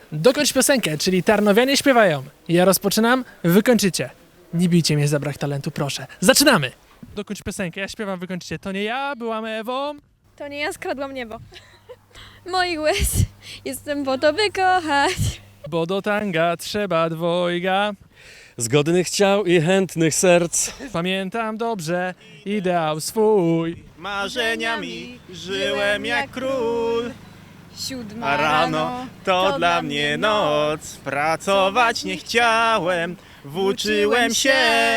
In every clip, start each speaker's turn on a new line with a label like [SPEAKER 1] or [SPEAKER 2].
[SPEAKER 1] Dokończ piosenkę, czyli Tarnowianie śpiewają. Ja rozpoczynam, wy kończycie. Nie bijcie mnie za brak talentu, proszę. Zaczynamy! Dokończ piosenkę, ja śpiewam, wy kończycie. To nie ja, byłam Ewą.
[SPEAKER 2] To nie ja skradłam niebo. Moich łez jestem po to wykochać.
[SPEAKER 1] Bo do tanga trzeba dwojga.
[SPEAKER 3] Zgodnych ciał i chętnych serc.
[SPEAKER 1] Pamiętam dobrze ideał swój.
[SPEAKER 4] Marzeniami żyłem jak król,
[SPEAKER 2] Siódma
[SPEAKER 4] a rano to dla mnie noc. Pracować nie chciałem, włóczyłem się.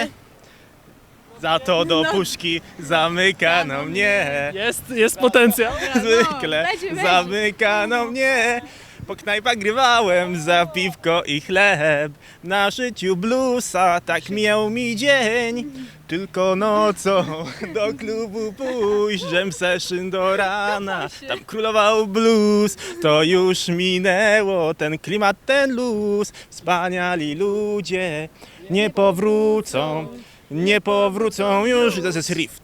[SPEAKER 4] Za to do puszki zamykano mnie.
[SPEAKER 1] Jest potencjał.
[SPEAKER 4] Zwykle
[SPEAKER 2] będzie.
[SPEAKER 4] zamykano mnie. Po knajpach grywałem za piwko i chleb. Na życiu bluesa tak miał mi dzień. Tylko nocą do klubu pójść, żem session do rana. Tam królował blues, to już minęło. Ten klimat, ten luz. Wspaniali ludzie nie powrócą. Nie powrócą już. To jest riff.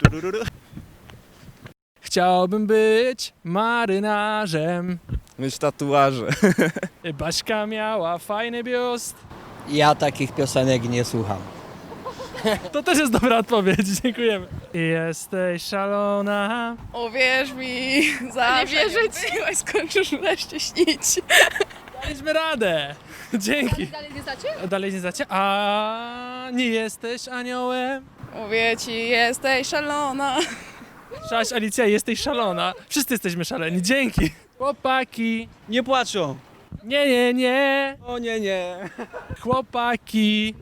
[SPEAKER 1] Chciałbym być marynarzem.
[SPEAKER 4] Mieć tatuaże.
[SPEAKER 1] Baśka miała fajny biust.
[SPEAKER 5] Ja takich piosenek nie słucham.
[SPEAKER 1] To też jest dobra odpowiedź, dziękujemy. Jesteś szalona.
[SPEAKER 6] Uwierz mi, zawsze nie skończysz wreszcie śnić.
[SPEAKER 1] Daliśmy radę. Dzięki.
[SPEAKER 2] Dalej nie znacie?
[SPEAKER 1] Dalej nie znacie? A nie jesteś aniołem.
[SPEAKER 6] Mówię ci, jesteś szalona.
[SPEAKER 1] Cześć Alicja, jesteś szalona. Wszyscy jesteśmy szaleni, dzięki. Chłopaki.
[SPEAKER 3] Nie płaczą.
[SPEAKER 1] Nie, nie, nie.
[SPEAKER 3] O nie, nie.
[SPEAKER 1] Chłopaki.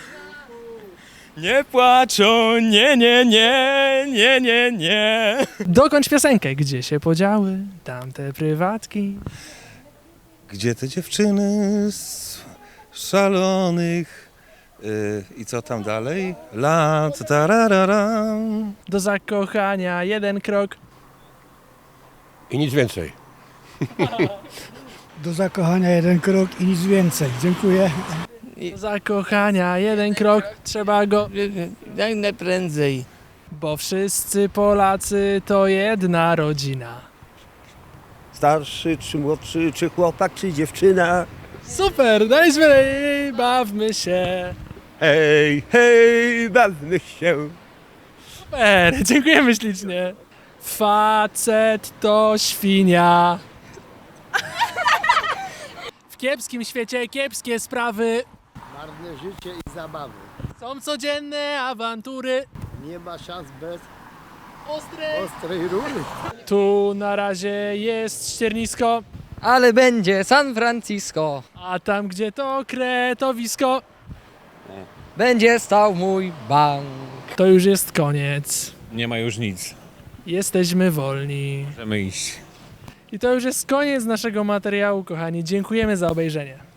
[SPEAKER 1] Nie płaczą, nie, nie, nie, nie, nie, nie. Dokończ piosenkę. Gdzie się podziały tamte prywatki?
[SPEAKER 7] Gdzie te dziewczyny z szalonych i co tam dalej? Lat, tarararam.
[SPEAKER 1] Do zakochania jeden krok.
[SPEAKER 8] I nic więcej.
[SPEAKER 9] Do zakochania jeden krok i nic więcej. Dziękuję.
[SPEAKER 1] Do zakochania jeden krok. Trzeba go...
[SPEAKER 5] Jak najprędzej.
[SPEAKER 1] Bo wszyscy Polacy to jedna rodzina.
[SPEAKER 8] Starszy, czy młodszy, czy chłopak, czy dziewczyna.
[SPEAKER 1] Super, daliśmy jej, bawmy się.
[SPEAKER 8] Hej, hej, bawmy się.
[SPEAKER 1] Super, dziękujemy ślicznie. Facet to świnia. W kiepskim świecie kiepskie sprawy.
[SPEAKER 9] Marne życie i zabawy.
[SPEAKER 1] Są codzienne awantury.
[SPEAKER 9] Nie ma szans bez
[SPEAKER 1] Ostrej.
[SPEAKER 9] rury.
[SPEAKER 1] Tu na razie jest ściernisko,
[SPEAKER 5] Ale będzie San Francisco.
[SPEAKER 1] a tam gdzie to kretowisko,
[SPEAKER 5] Będzie stał mój bank.
[SPEAKER 1] to już jest koniec.
[SPEAKER 3] Nie ma już nic.
[SPEAKER 1] Jesteśmy wolni.
[SPEAKER 3] Możemy iść.
[SPEAKER 1] I to już jest koniec naszego materiału, kochani. Dziękujemy za obejrzenie.